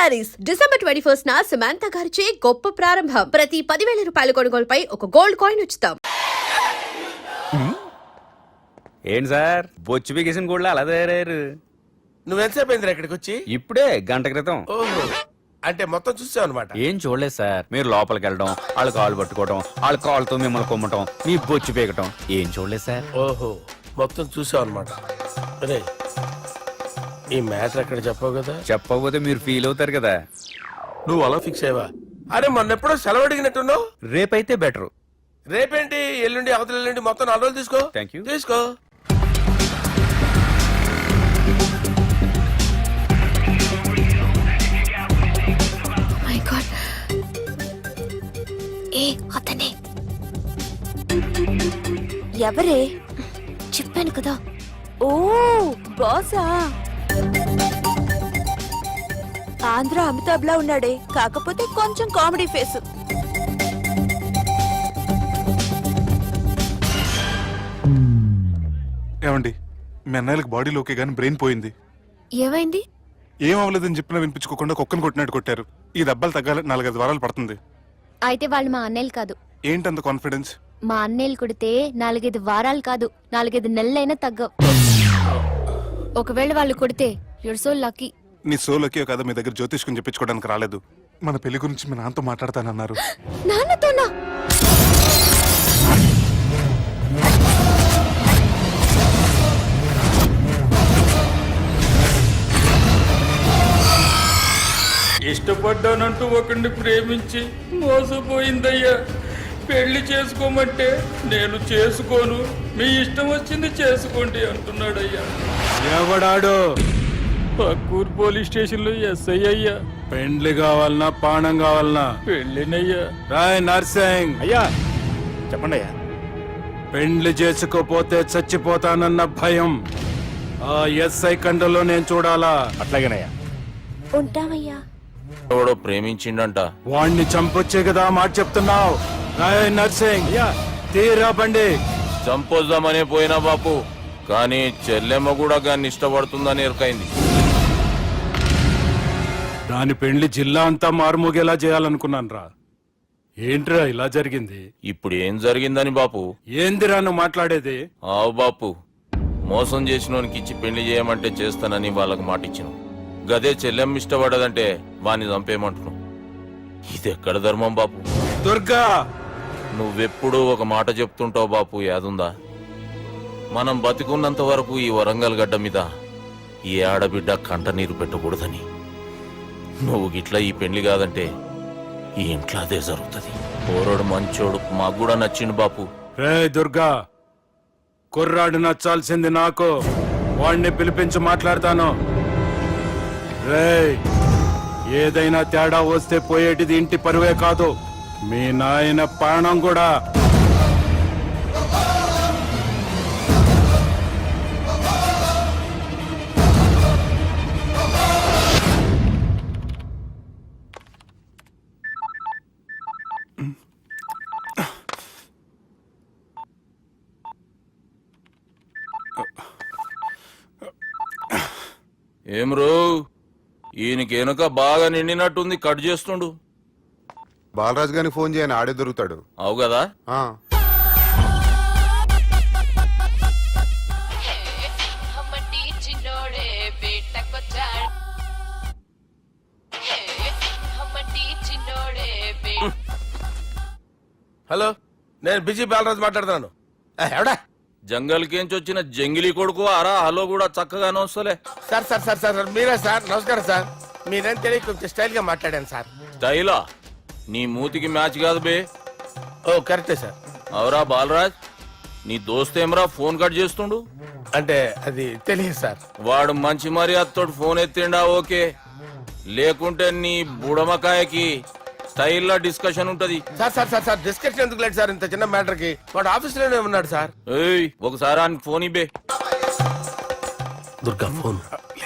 Saris December 21 Samantha గారిచే గొప్ప ప్రారంభం. ప్రతి 10,000 రూపాయల కొనుగోలుపై ఒక గోల్డ్ కాయిన్ ఉచితం. ఏంటి సార్ బొచ్చు బిగేసిన కూడా అలా తయారయ్యారు? నువ్వెంతసేపు అయిందిరా ఇక్కడికి వచ్చి? ఇప్పుడే గంట క్రితం. ఓహో, అంటే మొత్తం చూసావు అనమాట. ఏం చూడలేదు సార్. మీరు లోపలికి వెళ్ళడం, వాళ్ళ కాళ్ళు పట్టుకోవడం, వాళ్ళ కాళ్ళతో మిమ్మల్ని కొమ్మటం, మీ బొచ్చు పీకటం ఏం చూడలేదు సార్. ఓహో, మొత్తం చూసావు అనమాట. అరే, ఈ మ్యాటర్ అక్కడ చెప్పావు కదా. చెప్పకపోతే మీరు ఫీల్ అవుతారు కదా. నువ్వు అలా ఫిక్స్ అయ్యవా? అరే, మొన్నెప్పుడో సెలవు అడిగినట్టున్నావు. రేపైతే బెటర్. రేపేంటి, ఎల్లుండి, అవతల ఎల్లుండి, మొత్తం 4 రోజులు తీసుకో. Thank you. తీసుకో. అతనే ఎవరే? చెప్పాను కదా. ఓ బాసా, ఆంధ్ర అమితాబ్ లా ఉన్నాడే, కాకపోతే కొంచెం కామెడీ ఫేస్. ఏమండి, మీ అన్నయ్యలకు బాడీలో ఓకే గానీ బ్రెయిన్ పోయింది. ఏమైంది? ఏం అవ్వలేదని చెప్పినా వినిపించుకోకుండా కుక్కను కొట్టినట్టు కొట్టారు. ఈ దెబ్బలు తగ్గాలి 4-5 వారాలు పడుతుంది. అయితే వాళ్ళు మా అన్నయ్యలు కాదు. ఏంటంత కాన్ఫిడెన్స్? మా అన్నయ్యలు కొడితే 4-5 వారాలు కాదు, 4-5 నెలలైనా తగ్గవు. ఒకవేళ వాళ్ళు కొడితే యూర్ సో లక్కీ. నీ సోలోకి కదా మీ దగ్గర జ్యోతిష్కుని చెప్పించుకోవడానికి రాలేదు. మన పెళ్లి గురించి మీ నాన్నతో మాట్లాడతానన్నారు. నాన్నతోనా? ఇష్టపడ్డానంటూ ఒకరిని ప్రేమించి మోసపోయిందయ్యా. పెళ్లి చేసుకోమంటే నేను చేసుకోను, మీ ఇష్టం వచ్చింది చేసుకోండి అంటున్నాడయ్యా. ఎవడాడు? పక్కూరు పోలీస్ స్టేషన్ లో ఎస్ఐ అయ్యా. పెండ్లి కావాలనా పానం కావాలనా? పెళ్ళినయ్యా. రాయ్ నర్సింగ్ అయ్యా చెప్పండి అయ్యా. పెండ్లి చేసుకోపోతే చచ్చిపోతానన్న భయం ఆ ఎస్ఐ కండలో నేను చూడాలా? అట్లాగేనయ్యా. ఉంటామయ్యా. ఎవడో ప్రేమించిండంట. వాణ్ణి చంపొచ్చే కదా మాట చెప్తున్నావు? రాయ్ నర్సింగ్ తీరా బండి. చంపొద్దామనే పోయినా బాపు, కానీ చెల్లెమ్మ కూడా గాన్ని ఇష్టపడుతుందని ఎరకైంది. దాని పెండ్లి జిల్లా అంతా మారుమోగేలా చేయాలనుకున్నాను రా. ఏంట్రా ఇలా జరిగింది? ఇప్పుడు ఏం జరిగిందని బాపు? ఏందిరా నువ్వు మాట్లాడేది? ఆవు బాపు, మోసం చేసినోనికి ఇచ్చి పెళ్లి చేయమంటే చేస్తానని వాళ్ళకి మాటిచ్చిన. గదే చెల్లెమ్మ ఇష్టపడదంటే వాణ్ణి చంపేయమంటున్నావు. ఇది ఎక్కడ ధర్మం బాపు? దుర్గా, నువ్వెప్పుడూ ఒక మాట చెప్తుంటావు బాపు, యాదుందా? మనం బతికున్నంత వరకు ఈ వరంగల్ గడ్డ మీద ఈ ఆడబిడ్డ కంట నీరు పెట్టకూడదని. నువ్వు గిట్లా ఈ పెళ్లి కాదంటే ఈ ఇంట్లో అదే జరుగుతుంది. పోరోడు మంచోడు, మాకు కూడా నచ్చిండు బాపు. రే దుర్గా, కుర్రాడు నచ్చాల్సింది నాకు. వాణ్ణి పిలిపించి మాట్లాడతాను. రే, ఏదైనా తేడా వస్తే పోయేటిది ఇంటి పరువే కాదు, మీ నాయన ప్రాణం కూడా. ఏం రో, ఈయనకెనుక బాగా నిండినట్టుంది, కట్ చేస్తుండు. బాలరాజు గారికి ఫోన్ చేయని, ఆడే దొరుకుతాడు. అవు కదా. హలో, నేను బిజీ బాలరాజు మాట్లాడుతున్నాను. ఎవడా జంగల్కేంచి వచ్చిన జంగిలీ కొడుకు అరా? హలో కూడా చక్కగానే వస్తలే. సార్ సార్ సార్ సార్ మీరా సార్? నమస్కారం సార్. మీరేం తెలియ కొంచెం స్టైల్ గా మాట్లాడాను సార్. స్టైలా? నీ మూతికి మ్యాచ్ కాదు బే. ఓ కరెక్టే సార్. అవరా బాలరాజ్, నీ దోస్త్ ఏమరా ఫోన్ కట్ చేస్తుండు? అంటే అది తెలియదు సార్. వాడు మంచి మర్యాదతో ఫోన్ ఎత్తిండా ఓకే, లేకుంటే నీ బుడమకాయకి స్టైల్లో డిస్కషన్ ఉంటది. Sir sir sir sir discussion ఎందుకు లేదు సార్, ఇంత చిన్న మ్యాటర్ కి? వాడు ఆఫీస్ లోనే ఉన్నాడు సార్. ఏయ్, ఒకసారి ఆయనకి ఫోన్ ఇబ్బే. దుర్గా ఫోన్.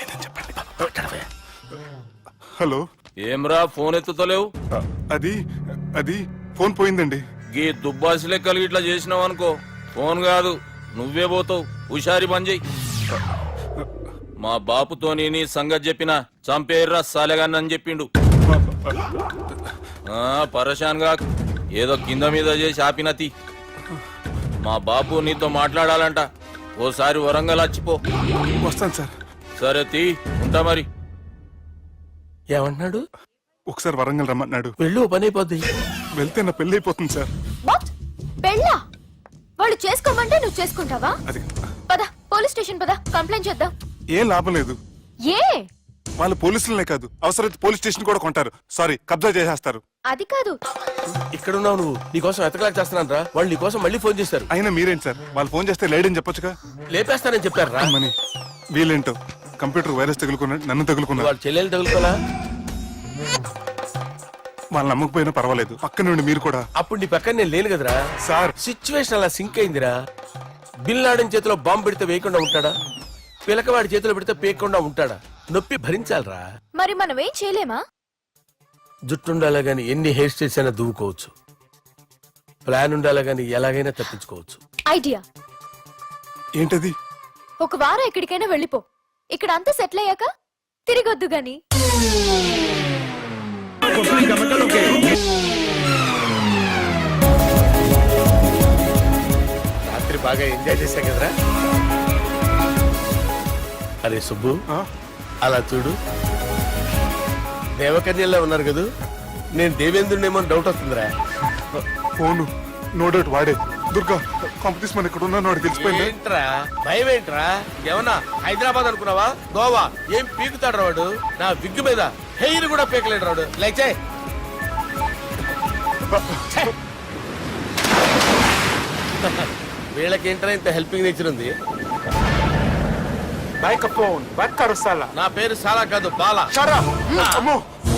హలో. ఏమ్రా ఫోన్ ఎత్తుతలేవు? అది అది ఫోన్ పోయిందండి. గీ దుబ్బాసి లెక్కలు ఇట్లా చేసినావు అనుకో, ఫోన్ కాదు నువ్వే పోతావు. హుషారి బంద్ చెయ్యి. మా బాపుతోని నీ సంగతి చెప్పిన చంపేర్రా సాలెగాన్ని చెప్పిండు. పరేషాన్ గా ఏదో కింద మీద చేసి ఆపినతి. మా బాపు నీతో మాట్లాడాలంట. ఓసారి వరంగల్ వచ్చిపో. వస్తాను సార్. సరే తీ, ఉంటా మరి. ఏమంటున్నాడు? ఒకసారి వరంగల్ రమ్మన్నాడు. వెళ్ళు, పని అయిపోద్ది. వెళ్తే నా పెళ్లి అయిపోతుంది సార్. వాట్? పెళ్ళా? వాళ్ళు చేసుకోమంటే నువ్వు చేసుకుంటావా? అది పద, పోలీస్ స్టేషన్ పద, కంప్లైంట్ చేద్దాం. ఏం లాభం లేదు. ఏ? వాళ్ళు పోలీసులనే కాదు, అవసరమైతే పోలీస్ స్టేషన్ కూడా కొంటారు. సారీ, కబ్జా చేసేస్తారు. అది కాదు. ఇక్కడ ఉన్నావు నువ్వు, నీకోసం ఎతకలేక చేస్తున్నాను రా. వాళ్ళు నీకోసం మళ్ళీ ఫోన్ చేశారు. అయినా మీరేంటి సార్, వాళ్ళు ఫోన్ చేస్తే లేడని చెప్పొచ్చుగా. లేపేస్తానని చెప్పారు రా. మని వీళ్ళేంటో కంప్యూటర్ వైరస్ తగులుకున్నాడు, నన్ను తగులుకున్నాడు. వాళ్ళ చెల్లెలు తగులుకోలా? వాళ్ళు నమ్మకపోయినా పర్వాలేదు, పక్క నుండి మీరు కూడా. అప్పుడు నీ పక్కన నేను లేను కదరా సార్. సిచ్యువేషన్ అలా సింక్ అయిందిరా. బిన్ లాడెన్ చేతిలో బాంబు పెడితే వేయకుండా ఉంటాడా? పిలకవాడి చేతిలో పెడితే పేయకుండా ఉంటాడా? నొప్పి భరించాలరా. మరి మనం ఏం చేయలేమా? జుట్టు ఉండాలా గాని ఎన్ని హెయిర్ స్టైల్స్ అయినా దువ్వుకోవచ్చు. ప్లాన్ ఉండాలా గాని ఎలాగైనా తప్పించుకోవచ్చు. ఐడియా. ఏంటది? ఒక వారం ఎక్కడికైనా వెళ్ళిపో. ఇక్కడ అంతా సెటిల్ అయ్యాక తిరిగొద్దు గాని. రాత్రి బాగా ఎంజాయ్ చేశాం కదరా. అరే సుబ్బు, అలా చూడు, దేవకన్యల్లో ఉన్నారు కదూ. నేను దేవేంద్రుడేమో డౌట్ వస్తుందిరా. ఫోను నో డౌట్ వాడే. దుర్గా కాంపిటీస్ మన ఇక్కడ ఉన్నా వాడు తెలిసిపోయింది. ఏంట్రా భయం ఏంట్రా? ఏమన్నా హైదరాబాద్ అనుకున్నావా? గోవా ఏం పీకుతాడు రాడు. నా విగ్గు మీద హెయిర్ కూడా పీకలేడు రాడు. లైక్ వీళ్ళకేంట్రా ఇంత హెల్పింగ్ నేచర్ ఉంది. నా పేరు సాలా కాదు, బాలా. అమ్మో.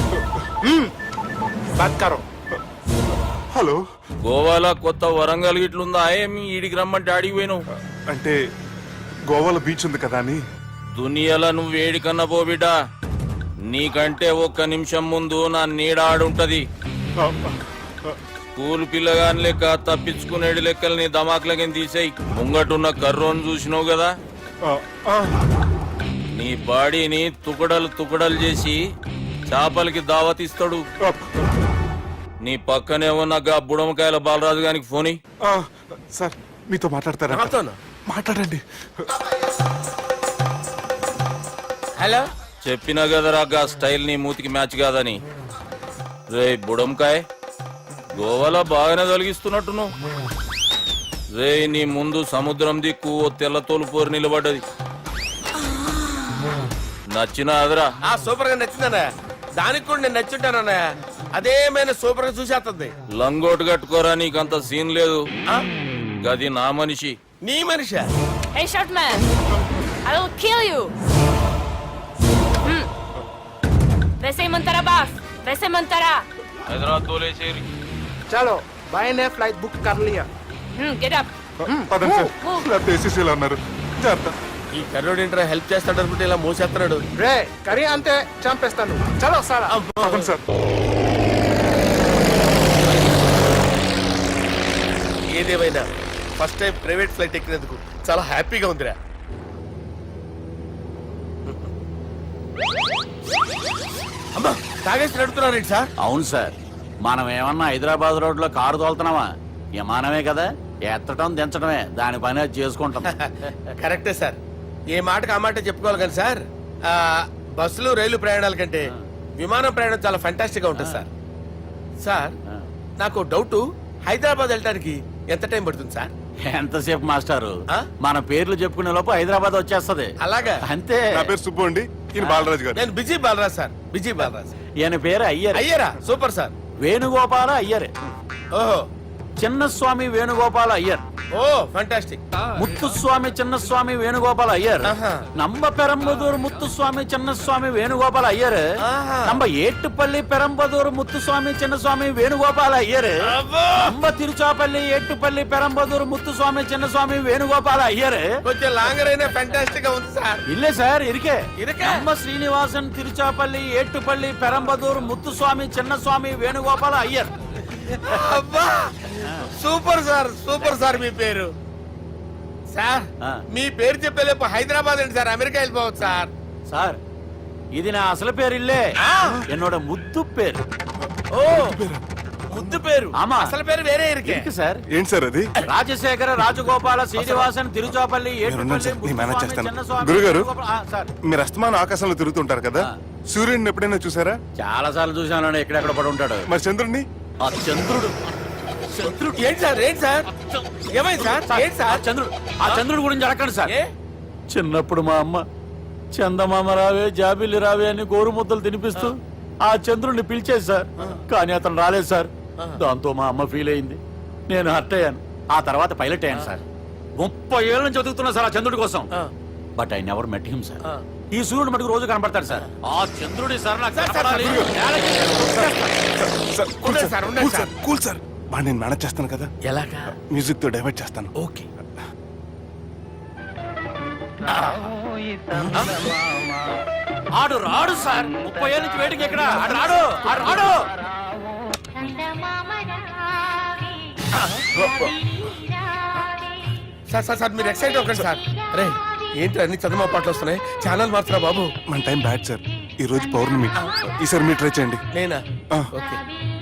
హలో. గోవాలో కొత్త వరంగల్ గిట్లుందా? ఏమి ఈడికి రమ్మంటే అడిగి పోయినావు? అంటే గోవాలో బీచ్ ఉంది కదా అని. దునియాలో నువ్వు వేడికన్నా పో బిడ్డ. నీకంటే ఒక్క నిమిషం ముందు నా నీడ ఆడుంటది. స్కూల్ పిల్లగాని లెక్క తప్పించుకునేడు లెక్కలు నీ దమాకులకి తీసేయి. ముంగటున్న కర్రోని చూసినావు కదా, నీ బాడీని తుకడలు తుకడలు చేసి చేపలకి దావతిస్తాడు. నీ పక్కనే ఉన్న గా బుడమకాయల బాలరాజు గారికి ఫోని. సార్ మీతో మాట్లాడతారా? మాట్లాడండి. హలో. చెప్పినా కదరా గా స్టైల్ నీ మూతికి మ్యాచ్ కాదని. రే బుడంకాయ్, గోవాలో బాగానే తొలగిస్తున్నట్టు నువ్వు. రే నీ ముందు సముద్రం దిక్కు ఓ తెల్ల తోలుపోరు నిలబడ్డది. నచ్చినా అదరా? సూపర్ గా నచ్చిందన్నా. దానికి కూడా నేను నచ్చుంటానన్నా. అదేమైనా సూపర్ గా చూసేస్తుంది. లంగోటు కట్టుకోరా, నీకంత సీన్ లేదు. గది నా మనిషి. నీ Manisha? Hey, short man! I will kill you! वैसे ही मंतरा बास, वैसे मंतरा. హైదరాబాద్ తోలేసేరి. चलो भाई ने फ्लाइट बुक कर लिया. Get up. పదండి సార్, లేకపోతే ఏసీసీలో ఉన్నారు. జాగ్రత్త. ఈ కర్రోడు ఏంట్రా హెల్ప్ చేస్తాడు అనుకుంటే ఇలా మోసేస్తున్నాడు. రే కరీ అంతే చంపేస్తాను. చలో సారా. పదండి సార్. ఏదేమైనా ఫస్ట్ టైం ప్రైవేట్ ఫ్లైట్ ఎక్కినందుకు చాలా హ్యాపీగా ఉందిరా. అమ్మా తాగేసి నడుతున్నారేంటి సార్? అవును సార్, మనం ఏమన్నా హైదరాబాద్ రోడ్ లో కారు తోలుతున్నావా? విమానమే కదా, ఎత్తడం దించడమే దాని పని, అది చేసుకుంటాం. కరెక్టే సార్. ఏ మాటకు ఆ మాట చెప్పుకోవాలి కానీ సార్, బస్సులు రైలు ప్రయాణాల కంటే విమానం ప్రయాణం చాలా ఫంటాస్టిక్ గా ఉంటుంది సార్. సార్ నాకు డౌట్, హైదరాబాద్ వెళ్ళడానికి ఎంత టైం పడుతుంది సార్? ఎంతసేపు మాస్టారు, మన పేర్లు చెప్పుకునే లోపు హైదరాబాద్ వచ్చేస్తది. అలాగా? అంతే. నా పేరు సుబ్బు అండి, ఈయన బాలరాజు గారు. నేను busy Balraj sir. Busy Balraj. ఈయన పేరు అయ్యర్. అయ్యరా? Super sir. వేణుగోపాల అయ్యర్. ఓహో. చిన్నస్వామి వేణుగోపాల అయ్యర్. Oh fantastic. ముత్తుస్వామి చిన్నస్వామి వేణుగోపాల అయ్యర్. நம்ம பெரம்பதூர் முத்துசுவாமி சின்னசுவாமி வேணுகோபால ஐயர். நம்ம ஏட்டுப்பள்ளி பெரம்பதூர் முத்துசுவாமி சின்னசுவாமி வேணுகோபால ஐயர். நம்ம திருச்சாப்பள்ளி ஏட்டுப்பள்ளி பெரம்பதூர் முத்துசுவாமி சின்னசுவாமி வேணுகோபால ஐயர். కొంచెం లాంగర్ అయినా ఫంటాస్టిక్ గా ఉంది సార్. இல்ல சார், இருக்கே. நம்ம ஸ்ரீனிவாசன் திருச்சாப்பள்ளி ஏட்டுப்பள்ளி பெரம்பதூர் முத்துசுவாமி சின்னசுவாமி வேணுகோபால ஐயர். అబ్బా సూపర్ సార్, సూపర్ సార్ మీ పేరు. సార్ ఆ. మీ పేరు చెప్పేలేపు హైదరాబాద్ అండి సార్, అమెరికా వెళ్ళిపోవచ్చు సార్. సార్ ఇది నా అసలు పేరు ఇల్లే, என்னோட ముద్దు పేరు. ఓ ముద్దు పేరు, ఆమా. అసలు పేరు వేరే ఇరికే. ఇருக்கு సార్. ఏంటి సార్ అది? రాజశేఖర రాజగోపాల శ్రీనివాసన్ తిరుచాపల్లి మీరున్నారు సార్, నేను మేనేజ్ చేస్తాను. గురుగారు, మీరు అస్తమానం ఆకాశంలో తిరుగుతుంటారు కదా, సూర్యుడిని ఎప్పుడైనా చూసారా? చాలా సార్లు చూసాను, ఎక్కడెక్కడ పడి ఉంటాడు. మరి చంద్రుడిని? ఆ చంద్రుడు ఏంటి సార్, ఏంటి సార్, ఏమైంది సార్, ఏంటి సార్? ఆ చంద్రుడు గురించి అడగండి సార్. ఏ? చిన్నప్పుడు మా అమ్మ చందమామ రావే జాబిల్లి రావే అని గోరు ముద్దలు తినిపిస్తూ ఆ చంద్రుడిని పిలిచేది సార్, కానీ అతను రాలేదు సార్. దాంతో మా అమ్మ ఫీల్ అయింది, నేను హర్ట్ అయ్యాను. ఆ తర్వాత పైలట్ అయ్యాను సార్. 30 ఏళ్ళ నుంచి చదువుతున్నా సార్ ఆ చంద్రుడి కోసం. But I never met him sir. ఈ సూర్యుడు మటుకు రోజు కనపడతాడు సార్. ఆ చంద్రుడి సార్ నాకు కనపడాలి. ఉండండి సార్, ఉండండి సార్. కూల్ సార్, బాగా నేను మేనేజ్ చేస్తాను కదా, ఎలాగా? మ్యూజిక్ తో డైవర్ట్ చేస్తాను. ఓకే. ఆడు రాడు సార్, 30 ఏళ్ళ నుంచి వెయిటింగ్ ఎక్కడ. ఆడు రాడు, ఆడు రాడు. సార్ సార్ సార్ మీరు ఎక్సైట్ అవ్వకండి సార్. అరే ఏంటి అన్ని చదువు పాటలు వస్తున్నాయి, ఛానల్ మార్చరా బాబు. మన టైం బ్యాడ్ సార్, ఈ రోజు పౌర్ణమి, ఈసారి మీరు ట్రై చేయండి. నేనా? ఆ. ఓకే.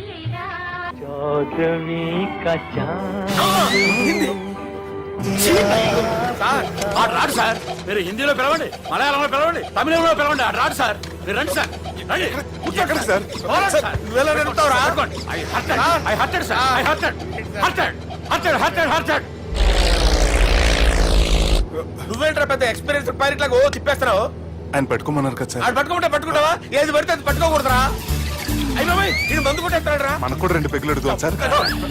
సార్ ఆడు రాడు సార్. మీరు హిందీలో పిలవండి, మలయాళంలో పిలవండి, తమిళంలో పిలవండి. ఆడు రాడు సార్. మీరు రండి సార్, రండి. ఎక్కడ సార్? పోరాడు సార్. నువ్వెలా నడుపుతావురా? పట్టుకోండి. I hurted, sir. I hurted. నువ్వేంట్రా పెద్ద ఎక్స్పీరియన్స్ పైరెట్ లాగా ఓ తిప్పేస్తున్నావు? ఆయన పెట్టుకోమన్నారు కదా సార్. ఆడు పట్టుకుంటే పట్టుకుంటావా? ఏది పడితే అది పట్టుకోకూడదురా. అయ్యి బాబాయ్ ఇది మందు కొట్టేస్తాడు రా. మనకు కూడా 2 పెగ్గులు అడుగుతాం సార్.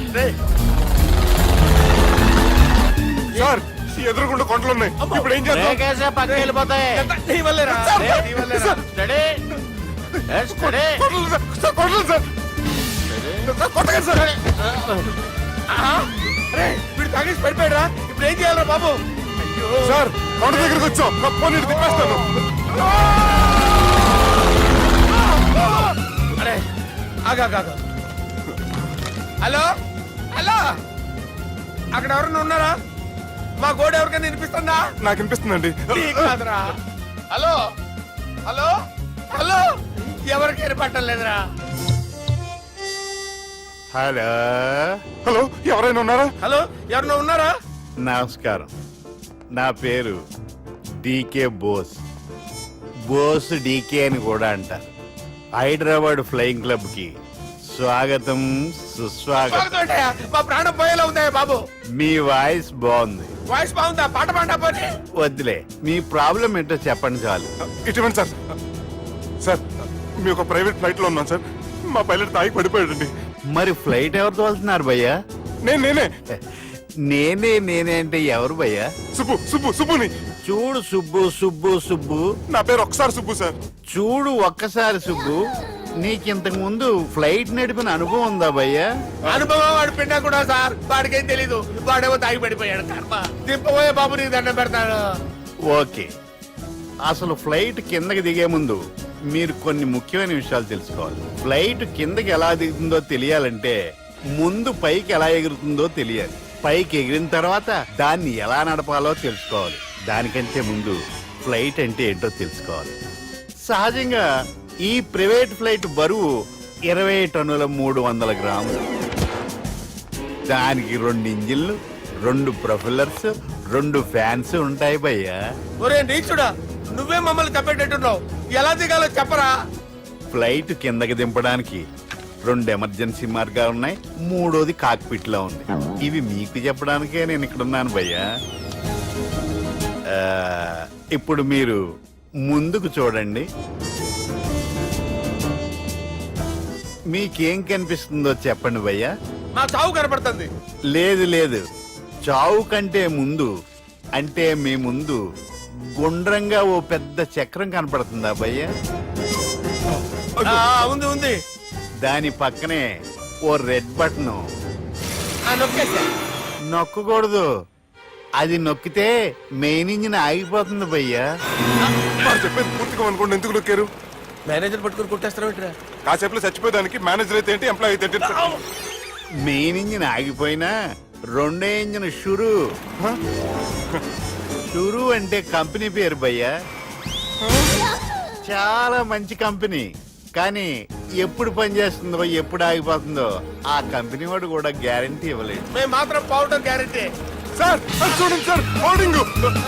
సార్ ఎదురుగుండా కొండలు ఉన్నాయి, ఇప్పుడు ఏం చేద్దాం? బ్రేకేసే పక్కకి వెళ్ళిపోతాయి. నీ వల్లేరా? నీ వల్లేరా? Steady. Let's steady. కొండలు సార్, సార్, కొండలు సార్. సార్, కొట్టకండి సార్. ఆహా. అరే వీడు తాగేసి పడిపోయాడురా, ఇప్పుడు ఏం చేయాలరా బాబు? అయ్యో సార్ కొండ దగ్గరికి వచ్చాం, పోనీ తిప్పేస్తాను. అరే ఆగా. హలో హలో, అక్కడ ఎవరన్నా ఉన్నారా? మా గోడ ఎవరికైనా వినిపిస్తుందా? నాకు అనిపిస్తుందండి. నీకు కాదురా. హలో హలో హలో, ఎవరికి ఏర్పట్టలేదురా. హలో హలో, ఎవరైనా ఉన్నారా? హలో ఎవరన్నా ఉన్నారా? నమస్కారం, నా పేరు డీకే బోస్. బోస్ డీకే అని కూడా అంటారు. హైదరాబాద్ ఫ్లయింగ్ క్లబ్ కి స్వాగతం సుస్వాగతం. బాగుందయ్యా, మా ప్రాణం పోయేలా ఉందయ్యా బాబు. మీ వాయిస్ బాగుంది. వాయిస్ బాగుందా? పాట పాడా పోనీ. వద్దులే, మీ ప్రాబ్లం ఏంటో చెప్పండి చాలు. ఇటువంటి సార్, సార్ మీ ఒక ప్రైవేట్ ఫ్లైట్ లో ఉన్నాను సార్, మా పైలట్ తాగి పడిపోయాడండి. మరి ఫ్లైట్ ఎవరు తోలుతున్నారు భయ్యా? నేనే నేనే అంటే ఎవరు భయ్యా? సుబ్బుని. చూడు సుబ్బు, నా పేరు ఒకసారి సుబ్బు సార్. చూడు ఒక్కసారి సుబ్బు, నీకింతకు ముందు ఫ్లైట్ నడిపిన అనుభవం ఉందా భయ్యా? అనుభవం వాడు పిన్నా కూడా సార్, వాడికేం తెలీదు. వాడేమో తాగి పడిపోయాడు. కర్మ దింపబోయే బాబు నీకు దండం పెడతాడు. ఓకే, అసలు ఫ్లైట్ కిందకి దిగే ముందు మీరు కొన్ని ముఖ్యమైన విషయాలు తెలుసుకోవాలి. ఫ్లైట్ కిందకి ఎలా దిగుతుందో తెలియాలంటే ముందు పైకి ఎలా ఎగురుతుందో తెలియాలి. పైకి ఎగిరిన తర్వాత దాన్ని ఎలా నడపాలో తెలుసుకోవాలి. దానికంటే ముందు ఫ్లైట్ అంటే ఏంటో తెలుసుకోవాలి. సహజంగా ఈ ప్రైవేట్ ఫ్లైట్ బరువు 20 టన్నుల 300 గ్రాములు. దానికి 2 ఇంజిన్లు, 2 ప్రొఫెల్లర్స్, 2 ఫ్యాన్స్ ఉంటాయి భయ్యా. ఒరే నీచుడా, నువ్వే మమ్మల్ని తప్పేటట్టున్నావు. ఎలా దిగాలో చెప్పరా? ఫ్లైట్ కిందకి దింపడానికి 2 ఎమర్జెన్సీ మార్గాలు ఉన్నాయి, 3వది కాక్పిట్ లో ఉంది. ఇవి మీకు చెప్పడానికే నేను ఇక్కడ ఉన్నాను భయ్యా. ఇప్పుడు మీరు ముందుకు చూడండి. మీకేం కనిపిస్తుందో చెప్పండి భయ్యా. మా చావు కనపడుతుంది. లేదు, చావు కంటే ముందు, అంటే మీ ముందు గుండ్రంగా ఓ పెద్ద చక్రం కనపడుతుందా భయ్యా? ఉంది. దాని పక్కనే ఓ రెడ్ బటన్. నొక్కకూడదు, అది నొక్కితే మెయిన్ ఇంజిన్ ఆగిపోతుంది భయ్యా. చెప్పేది పూర్తిగా అనుకోండి, ఎందుకు నొక్కారు? మేనేజర్ పట్టుకుని కొట్టేస్తారా? కాసేపులో చచ్చిపోయేదానికి మేనేజర్ అయితే ఏంటి, ఎంప్లాయ్ అయితే ఏంటి? మెయిన్ ఇంజిన్ ఆగిపోయినా రెండో ఇంజిన్ షురు. షురు అంటే కంపెనీ పేరు భయ్యా. చాలా మంచి కంపెనీ, కానీ ఎప్పుడు పనిచేస్తుందో ఎప్పుడు ఆగిపోతుందో ఆ కంపెనీ వాడు కూడా గ్యారంటీ ఇవ్వలేదు. మేము మాత్రం పౌడర్ గ్యారెంటీ. సార్ అది చూడండి సార్, హోర్డింగ్.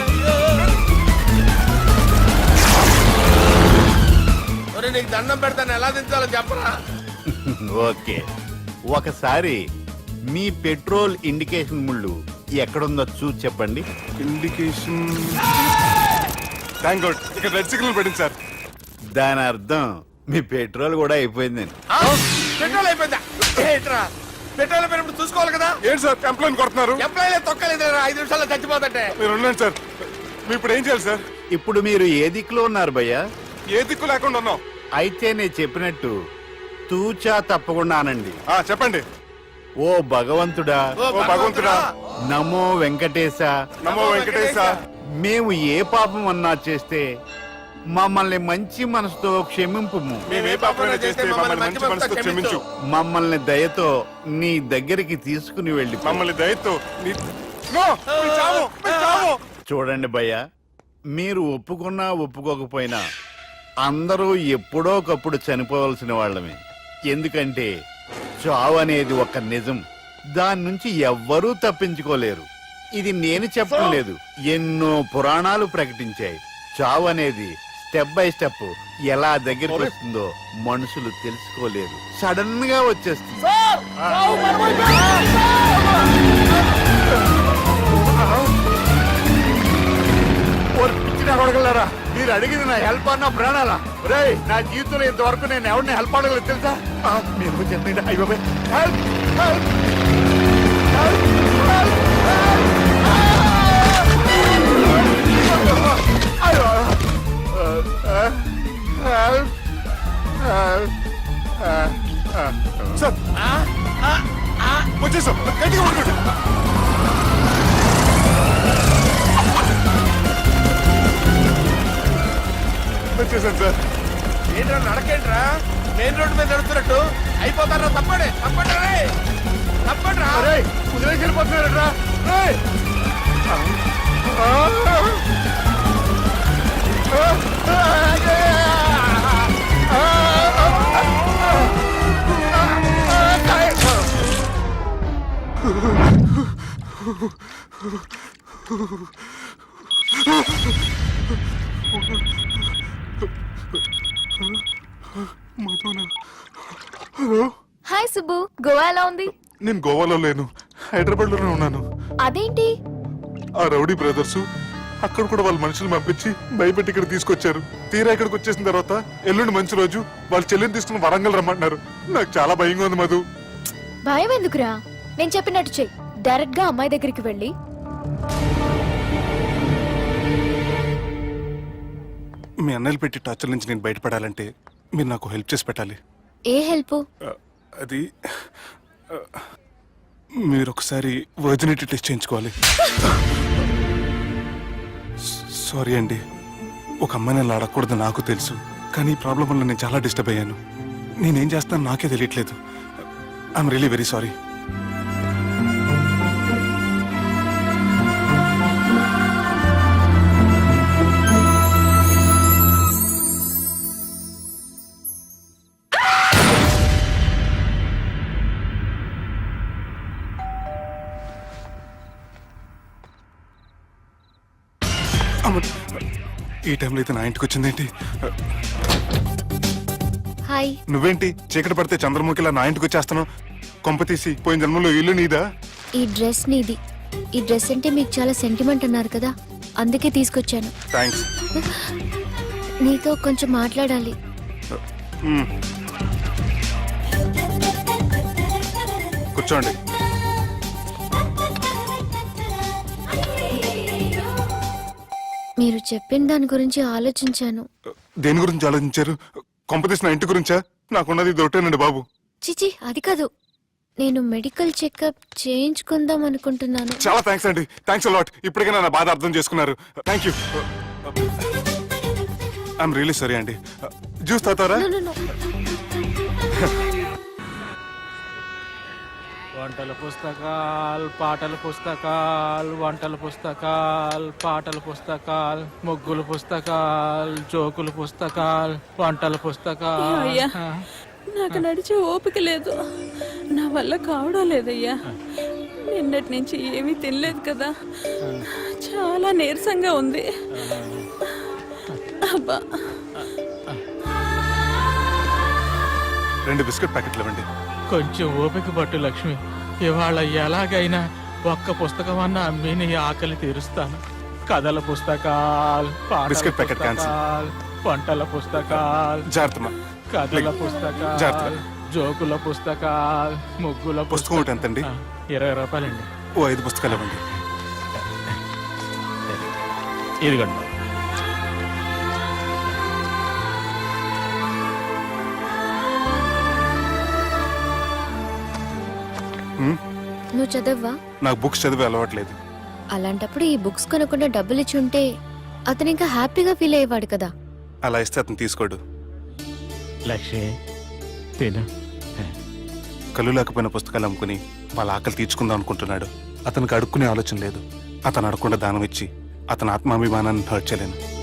ఒరేయ్, నీకు దండం పెడతాను, ఎలా దించాలో చెప్పరా? ఓకే, ఒకసారి మీ పెట్రోల్ ఇండికేషన్ ముళ్ళు ఎక్కడుందో చూసి చెప్పండి. ఇండికేషన్. థ్యాంక్ గాడ్, ఇక్కడ రెడ్ సిగ్నల్ పడింది సార్. దాని అర్థం మీ పెట్రోల్ కూడా అయిపోయిందని. ఆ? పెట్రోల్ అయిపోయిందా? ఏంట్రా, పెట్రోల్ అయిపోయినప్పుడు చూసుకోవాలి కదా. ఏంటి సార్ కంప్లైంట్ కొడుతున్నారు? ఎంప్లాయీలే తొక్కలేదు, 5 నిమిషాల్లో చచ్చిపోతుంటే. మీరు ఉండండి సార్, మీరు ఇప్పుడు ఏం చేయాలి సార్? ఇప్పుడు మీరు ఏ దిక్కులో ఉన్నారు భయ్యా? ఏ దిక్కు లేకుండా ఉన్నాం. అయితే నేను చెప్పినట్టు తూచా తప్పకుండా అనండి. చెప్పండి. ఓ భగవంతుడా, ఓ భగవంతుడా, నమో వెంకటేశ, నమో వెంకటేశ. మేము ఏ పాపం అన్నా చేస్తే మమ్మల్ని మంచి మనసుతో క్షమింపుము. మేము ఏ పాపమైనా చేస్తే మమ్మల్ని మంచి మనసుతో క్షమించు. మమ్మల్ని దయతో నీ దగ్గరికి తీసుకుని వెళ్ళి మమ్మల్ని దయతో నో, మీ చావు, మీ చావు. చూడండి భయ్య, మీరు ఒప్పుకున్నా ఒప్పుకోకపోయినా అందరూ ఎప్పుడో ఒకప్పుడు చనిపోవలసిన వాళ్ళమే. ఎందుకంటే చావు అనేది ఒక నిజం, దాని నుంచి ఎవ్వరూ తప్పించుకోలేరు. ఇది నేను చెప్పడం లేదు, ఎన్నో పురాణాలు ప్రకటించాయి. చావు అనేది స్టెప్ బై స్టెప్ ఎలా దగ్గరికి వస్తుందో మనుషులు తెలుసుకోలేరు, సడన్ గా వచ్చేస్తుంది. అడగలరా, మీరు అడిగింది నా హెల్ప్ అన్న ప్రాణాలా? రే, నా జీవితంలో ఇంతవరకు నేను ఎవరిని హెల్ప్ అడగలేదు తెలుసా? మీరు చెప్పండి. అయ్యో హెల్ప్, హెల్ప్, సార్ వచ్చేసాం, గట్టిగా పట్టుకోండి. వచ్చేసాను సార్. ఏంట్రా నడకేంట్రా, మెయిన్ రోడ్డు మీద నడుస్తున్నట్టు అయిపోతారా? తప్పండి, తప్పండి రే, తప్పండి రా. కుదిరేసి వెళ్ళిపోతున్నారట్రా. హాయ్ సుబ్బు, గోవా ఎలా ఉంది? నేను గోవాలో లేను, హైదరాబాద్ లోనే ఉన్నాను. అదేంటి? ఆ రౌడీ బ్రదర్స్ అక్కడ కూడా వాళ్ళ మనుషులు పంపించి భయపెట్టి ఇక్కడ తీసుకొచ్చారు. తీరా ఇక్కడికి వచ్చేసిన తర్వాత ఎల్లుండి మంచి రోజు, వాళ్ళ చెల్లిని తీసుకుని వరంగల్ రమ్మంటున్నారు. నాకు చాలా భయంగా ఉంది మధు. భయం ఎందుకురా, నేను చెప్పినట్టు చెయ్యి. డైరెక్ట్ గా అమ్మాయి దగ్గరికి వెళ్ళి మీ అన్నయ్యలు పెట్టి టార్చర్ నుంచి నేను బయటపడాలంటే మీరు నాకు హెల్ప్ చేసి పెట్టాలి. ఏ హెల్ప్? అది మీరు ఒకసారి వర్జినిటీ టెస్ట్ చేయించుకోవాలి. సారీ అండి, ఒక అమ్మాయిని అలా అడగకూడదు నాకు తెలుసు, కానీ ఈ ప్రాబ్లం వల్ల నేను చాలా డిస్టర్బ్ అయ్యాను. నేనేం చేస్తాను నాకే తెలియట్లేదు. I'm really very sorry. ఈ టైంలో అయితే నా ఇంటికి వచ్చిందేంటి? హాయ్. నువ్వేంటి చీకటి పడితే చంద్రముఖిలా నా ఇంటికి వచ్చేస్తాను? కొంప తీసి పోయిన జన్మలో ఇల్లు నీదా? ఈ డ్రెస్ నీది. ఈ డ్రెస్ అంటే మీకు చాలా సెంటిమెంట్ అన్నారు కదా, అందుకే తీసుకొచ్చాను. థ్యాంక్స్. నీతో కొంచెం మాట్లాడాలి. కూర్చోండి. మీరు చెప్పిన దాని గురించి ఆలోచించాను. దేని గురించి ఆలోచించారు? కొంపతీసి నా ఇంటి గురించా? నాకున్నది దొరికేనండి బాబు. చిచి, అది కాదు. నేను మెడికల్ చెకప్ చేయించుకుందాం అనుకుంటున్నాను. చాలా థ్యాంక్స్ అండి, థ్యాంక్స్ అలాట్. ఇప్పటికైనా నా బాధ అర్థం చేసుకున్నారు. Thank you. I'm really sorry అండి. జ్యూస్ తాతారా? వంటల పుస్తకాలు, పాటల పుస్తకాలు, వంటల పుస్తకాలు, పాటల పుస్తకాలు, ముగ్గుల పుస్తకాలు, జోకుల పుస్తకాలు, వంటల పుస్తకాలు. నాకు నడిచే ఓపిక లేదు, నా వల్ల కావడం లేదయ్యా. నిన్నటి నుంచి ఏమీ తినలేదు కదా, చాలా నీరసంగా ఉంది. అబ్బా, 2 బిస్కెట్ ప్యాకెట్లు ఇవ్వండి. కొంచెం ఓపిక పట్టు లక్ష్మి. ఇవాళ ఎలాగైనా ఒక్క పుస్తకం అన్నా అమ్మి నీ ఆకలి తీరుస్తాను. కథల పుస్తకాలు, పాటల బిస్కెట్ ప్యాకెట్ క్యాన్సిల్. పుస్తకాలు, వంటల పుస్తకాలు, జాగ్రత్తమ్మా. కథల జాగ్రత్త. పుస్తకాలు, జోకుల పుస్తకాలు, ముగ్గుల పుస్తకం ఒకటి ఎంతండి? 20 రూపాయలండి. ఓ 5 పుస్తకాలు ఇవ్వండి. ఇదిగండి. నువ్వు చదవ్వా? నాకు బుక్స్ చదివే అలవాట్లేదు. అలాంటప్పుడు ఈ బుక్స్ కొనకుండా డబ్బులు ఇచ్చి ఉంటే అతను ఇంకా హ్యాపీగా ఫీల్ అయ్యేవాడు కదా. అలా ఇస్తే అతను తీసుకోడు. లక్ష్మి తిను. కళ్ళు లేకపోయిన పుస్తకాలు అమ్ముకుని వాళ్ళ ఆకలి తీర్చుకుందాం అనుకుంటున్నాడు. అతనికి అడుక్కునే ఆలోచన లేదు. అతను అడగకుండా దానం ఇచ్చి అతని ఆత్మాభిమానాన్ని హర్ట్ చేయలేను.